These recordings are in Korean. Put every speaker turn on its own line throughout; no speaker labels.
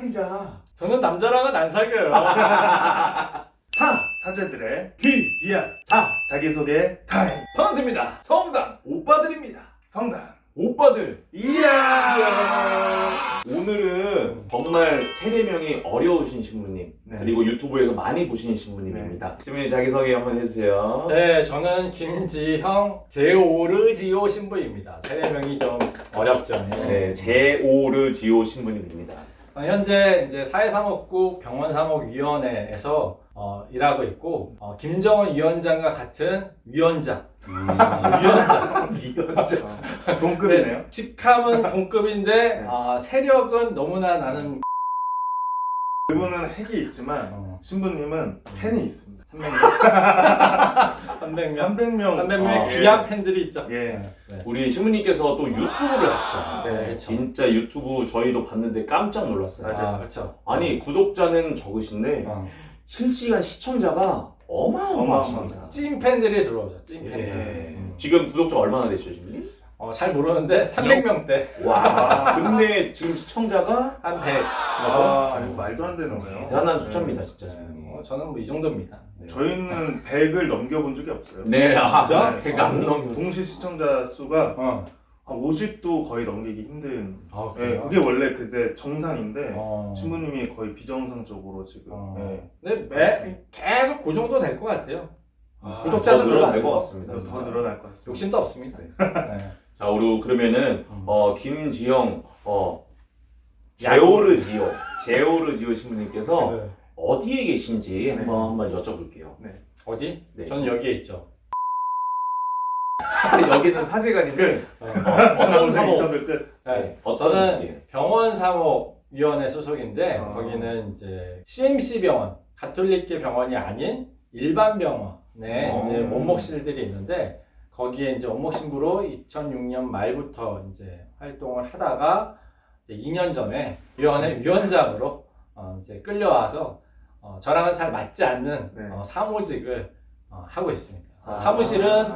사귀자.
저는 남자랑은 안 사귀어요.
사제들의 비야. 자기소개 타임.
반갑습니다. 성당 오빠들입니다.
성당.
오빠들.
이야.
오늘은 정말 세례명이 어려우신 신부님,
네.
그리고 유튜브에서 많이 보시는 신부님입니다. 신부님 자기소개 한번 해주세요.
네, 저는 김지형 제오르지오 신부입니다. 세례명이 좀 어렵죠.
네, 제오르지오 신부님입니다.
현재 이제 사회사목국 병원사목위원회에서 일하고 있고 김정은 위원장과 같은 위원장. 위원장.
동급이네요.
직함은 동급인데 세력은 너무나 나는
그분은 핵이 있지만 신부님은 팬이 있습니다.
300명
300명.
귀한 팬들이 있죠.
예.
네.
우리 신부님께서 또 유튜브를 하시잖아요.
네, 그렇죠.
진짜 유튜브 저희도 봤는데 깜짝 놀랐어요.
맞아요.
그렇죠.
아니 구독자는 적으신데 실시간 시청자가 어마어마하십니다.
찐 팬들이 들어오죠. 찐 팬들.
예. 지금 구독자 얼마나 되시죠, 신부님?
잘 모르는데 300명대
와, 근데 지금 시청자가
한 100.
이거 말도 안 되는 거예요.
대단한 숫자입니다, 진짜.
저는 뭐 이 정도입니다.
저희는 100을 넘겨본 적이 없어요.
네,
진짜?
네.
100 안 넘겼어요.
동시 시청자 수가
한
50도 거의 넘기기 힘든. 예,
그래요?
그게 원래 그때 정상인데
어.
신부님이 거의 비정상적으로 지금. 예.
근데 계속 그 정도 될 것 같아요.
더
구독자는 별로
늘어날
안
것
돼요.
같습니다.
더
진짜.
늘어날 것 같습니다.
욕심도 없습니다. 네.
자, 우리 그러면은 김지영 제오르지오 신부님께서
네.
어디에 계신지
네.
한번 여쭤볼게요.
어디?
네.
저는 여기에 있죠.
여기는 사제관인데
오늘
사목.
인터뷰 끝.
네.
어떤
저는 병원사목위원회 소속인데 거기는 이제 CMC 병원, 가톨릭계 병원이 아닌 일반 병원에 이제 원목실들이 있는데 거기에 이제 원목신부로 2006년 말부터 이제 활동을 하다가 이제 2년 전에 위원회 위원장으로 이제 끌려와서 저랑은 잘 맞지 않는
네.
사무직을 하고 있습니다. 사무실은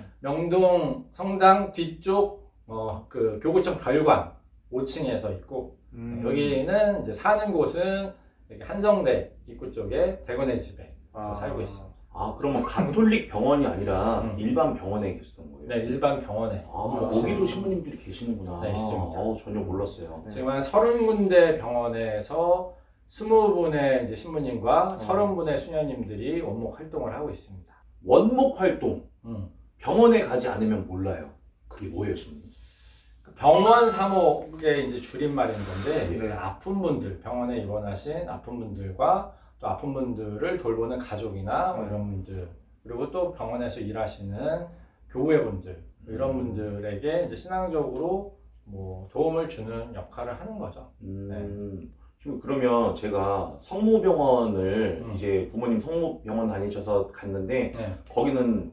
명동 성당 뒤쪽 그 교구청 별관 5층에서 있고 여기는 이제 사는 곳은 여기 한성대 입구 쪽에 대건의 집에 살고 있습니다.
그러면 가톨릭 병원이 아니라 일반 병원에 계셨던 거예요?
네, 일반 병원에.
거기도 신부님들이 계시는구나.
네, 있습니다.
전혀 몰랐어요.
네.
지금 한 30군데 병원에서 20분의 이제 신부님과 30분의 수녀님들이 원목 활동을 하고 있습니다.
원목 활동. 병원에 가지 않으면 몰라요. 그게 뭐예요, 신부님?
병원 사목의 이제 줄임말인 건데
네.
이제 아픈 분들, 병원에 입원하신 아픈 분들과 또 아픈 분들을 돌보는 가족이나 뭐 이런 분들, 그리고 또 병원에서 일하시는 교회 분들 이런 분들에게 이제 신앙적으로 뭐 도움을 주는 역할을 하는 거죠.
지금 그러면 제가 성모병원을 이제 부모님 성모병원 다니셔서 갔는데
네.
거기는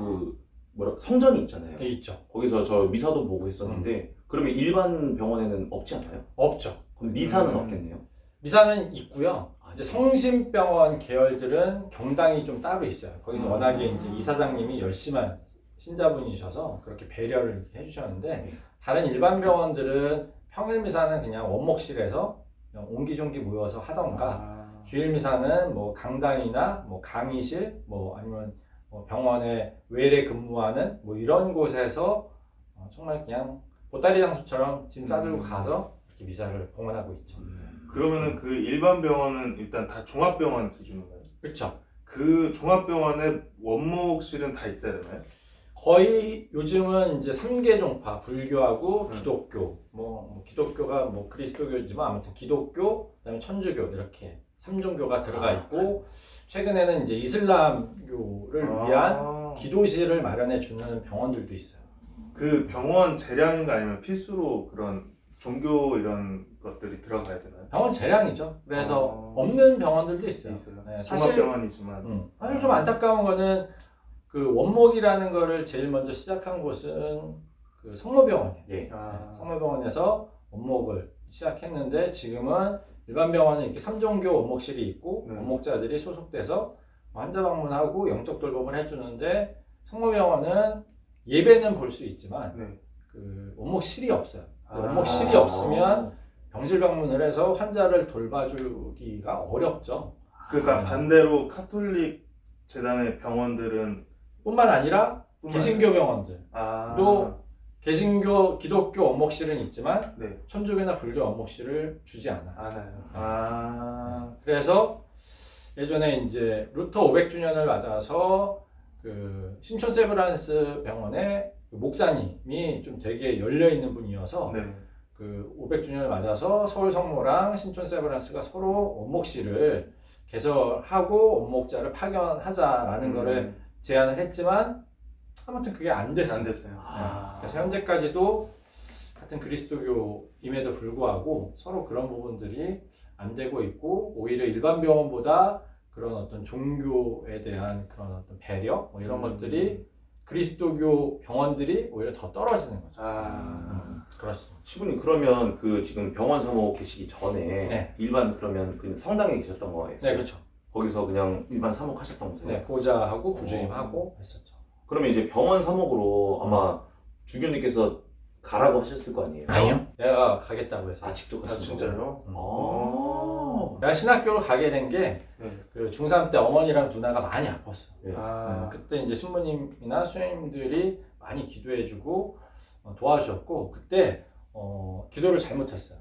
성전이 있잖아요.
네, 있죠.
거기서 저 미사도 보고 했었는데 그러면 일반 병원에는 없지 않나요?
없죠.
그럼 미사는 없겠네요.
미사는 있고요. 이제 성심병원 계열들은 경당이 좀 따로 있어요. 거기는 워낙에 이제 이사장님이 열심한 신자분이셔서 그렇게 배려를 이렇게 해주셨는데 다른 일반 병원들은 평일 미사는 그냥 원목실에서 그냥 옹기종기 모여서 하던가 주일 미사는 뭐 강당이나 뭐 강의실 뭐 아니면 뭐 병원에 외래 근무하는 뭐 이런 곳에서 정말 그냥 보따리 장수처럼 짐 싸들고 가서 이렇게 미사를 봉헌하고 있죠.
그러면은 그 일반 병원은 일단 다 종합병원 기준인가요?
그렇죠.
그 종합병원에 원목실은 다 있어야 되나요?
거의 요즘은 이제 3개 종파, 불교하고 기독교, 뭐 기독교가 뭐 그리스도교지만 아무튼 기독교, 그다음에 천주교 이렇게 3종교가 들어가 있고 최근에는 이제 이슬람교를 위한 기도실을 마련해 주는 병원들도 있어요.
그 병원 재량인가 아니면 필수로 그런 종교 이런 것들이 들어가야 되나요?
병원 재량이죠. 그래서 없는 병원들도 있어요. 네, 사실
종합병원이지만
사실 좀 안타까운 거는 그 원목이라는 거를 제일 먼저 시작한 곳은 그 성모병원이에요.
예.
성모병원에서 원목을 시작했는데 지금은 일반 병원은 이렇게 3종교 원목실이 있고 원목자들이 소속돼서 환자 방문하고 영적 돌봄을 해주는데 성모병원은 예배는 볼 수 있지만 그 원목실이 없어요. 원목실이 없으면 병실 방문을 해서 환자를 돌봐주기가 어렵죠.
그러니까
아.
반대로 카톨릭 재단의 병원들은
뿐만 아니라
뿐만
개신교 병원들
아,
또 개신교, 기독교 원목실은 있지만
네.
천주교나 불교 원목실을 주지 않아.
알아요. 아,
그래서 예전에 이제 루터 500주년을 맞아서 그 신촌 세브란스 병원의 그 목사님이 좀 되게 열려 있는 분이어서
네.
그 500주년을 맞아서 서울 성모랑 신촌 세브란스가 서로 원목실을 개설하고 원목자를 파견하자라는 거를 제안을 했지만 아무튼 그게 안 됐어요.
안 됐어요.
그래서 현재까지도 같은 그리스도교임에도 불구하고 서로 그런 부분들이 안 되고 있고 오히려 일반 병원보다 그런 어떤 종교에 대한 그런 어떤 배려 뭐 이런 것들이 그리스도교 병원들이 오히려 더 떨어지는 거죠. 그렇습니다.
시부님 그러면 그 지금 병원 사모 계시기 전에
네.
일반 그러면 그 성당에 계셨던 거예요?
네, 그렇죠.
거기서 그냥 일반 사목하셨던 거세요?
네, 보좌하고 부주임하고 했었죠.
그러면 이제 병원 사목으로 아마 주교님께서 가라고 하셨을 거 아니에요?
아니요. 내가 가겠다고 해서.
아직도
아,
가신
진짜요?
거예요?
내가 신학교를 가게 된 게
네.
그 중3 때 어머니랑 누나가 많이 아팠어.
네.
그때 이제 신부님이나 수녀님들이 많이 기도해주고 도와주셨고 그때 기도를 잘못했어요.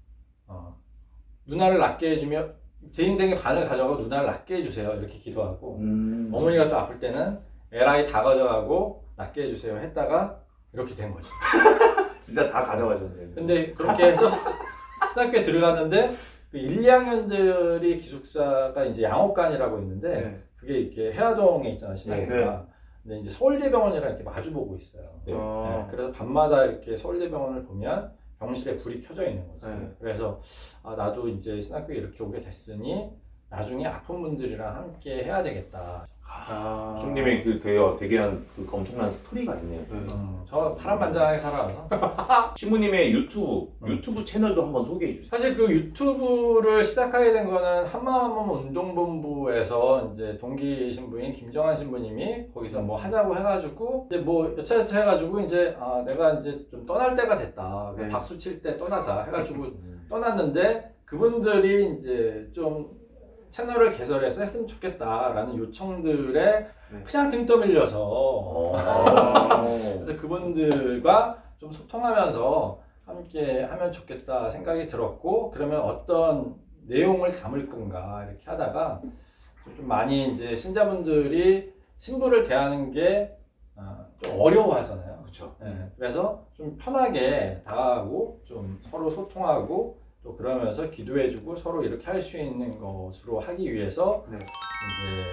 누나를 낫게 해주면 제 인생의 반을 가져가고 누나를 낫게 해주세요 이렇게 기도하고 어머니가 또 아플 때는 에라이 다 가져가고 낫게 해주세요 했다가 이렇게 된 거지.
진짜 다 가져가셨네요.
근데 그렇게 해서 신학교에 들어갔는데 그 1, 2학년들이 기숙사가 이제 양옥관이라고 있는데
네.
그게 이렇게 해화동에 있잖아 신학교가.
네.
근데 이제 서울대병원이랑 이렇게 마주보고 있어요.
네.
네, 그래서 밤마다 이렇게 서울대병원을 보면 병실에 불이 켜져 있는 거지.
네.
그래서 나도 이제 신학교에 이렇게 오게 됐으니 나중에 아픈 분들이랑 함께 해야 되겠다.
주님의 그 대개한 그 엄청난 스토리가 있네요.
저 파란만장하게 살아와서
신부님의 유튜브 채널도 한번 소개해 주세요.
사실 그 유튜브를 시작하게 된 거는 한마음 운동본부에서 이제 동기 신부인 김정한 신부님이 거기서 뭐 하자고 해가지고 이제 뭐 여차여차 해가지고 이제 내가 이제 좀 떠날 때가 됐다.
네.
박수 칠 때 떠나자 해가지고 떠났는데 그분들이 이제 좀 채널을 개설해서 했으면 좋겠다라는 요청들에 그냥 등 떠밀려서 그래서 그분들과 좀 소통하면서 함께 하면 좋겠다 생각이 들었고 그러면 어떤 내용을 담을 건가 이렇게 하다가 좀 많이 이제 신자분들이 신부를 대하는 게 좀 어려워하잖아요.
그렇죠.
네, 그래서 좀 편하게 다가가고 좀 서로 소통하고 또 그러면서 기도해주고 서로 이렇게 할 수 있는 것으로 하기 위해서
네.
이제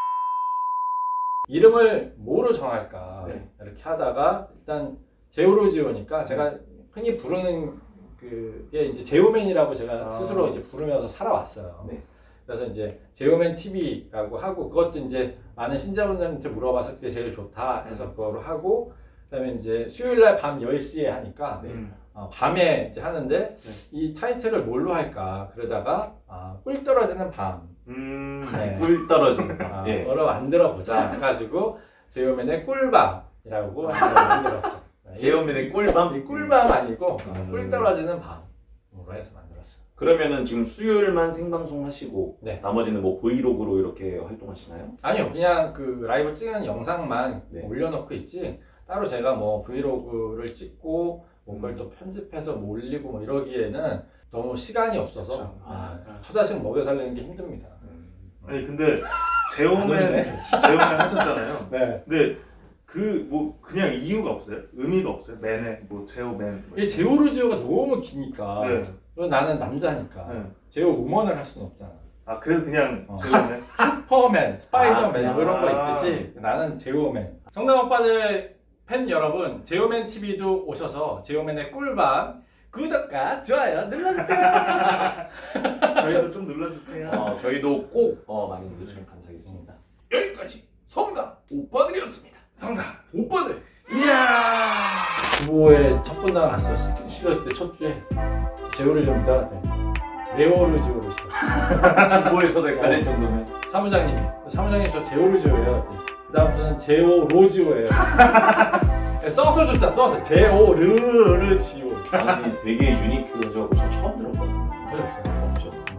이름을 뭐로 정할까
네.
이렇게 하다가 일단 제오로지오니까 제가 흔히 부르는 그게 이제 제오맨이라고 제가 스스로 이제 부르면서 살아왔어요.
네.
그래서 이제 제오맨 TV라고 하고 그것도 이제 많은 신자분들한테 물어봐서 그게 제일 좋다 해서 그거로 하고 그다음에 이제 수요일날 밤 10시에 하니까 밤에 이제 하는데 이 타이틀을 뭘로 할까 그러다가 꿀 떨어지는 밤 네.
꿀 떨어지는 밤. 예.
뭐로 만들어 보자 해가지고 제오맨의 꿀밤이라고 만들었죠.
제오맨의 꿀밤?
이 꿀밤 아니고 꿀 떨어지는 밤으로 해서 만들었어요.
그러면은 지금 수요일만 생방송 하시고
네.
나머지는 뭐 브이로그로 이렇게 활동하시나요?
아니요, 그냥 그 라이브 찍은 영상만
네.
올려놓고 있지 따로 제가 뭐 브이로그를 찍고 뭔가를 또 편집해서 뭐 올리고 뭐 이러기에는 너무 시간이 없어서 서자식 먹여 살리는 게 힘듭니다.
아니 근데 제오맨 하셨잖아요.
네.
근데 그 뭐 그냥 이유가 없어요? 의미가 없어요? 맨에 뭐 제오맨.
이 제오르지오가 너무 기니까
네.
그리고 나는 남자니까
네.
제오 우먼을 할 수는 없잖아.
그래서 그냥 제오맨.
슈퍼맨, 스파이더맨
그냥.
이런 거 있듯이 나는 제오맨. 정당 오빠들 팬 여러분, 제오맨 TV도 오셔서 제오맨의 꿀밤 구독과 좋아요 눌러주세요.
저희도 좀 눌러주세요.
저희도 꼭 많이 눌러주시면 감사하겠습니다. 여기까지 성당 오빠들이었습니다. 성당 오빠들.
부부의 첫 분당 갔어. 시켰을 때 첫 주에 제오르지오입니다. 네오르지오로 시켰어.
주보에서도 헷갈릴 정도면.
사무장님 저 제오르지오예요. 그 다음부터는 제오로지오예요. 써서 줬잖아. 써서 제오르르지오.
아니 되게 유니크해서 저 처음 들었거든요.
거의 없어요.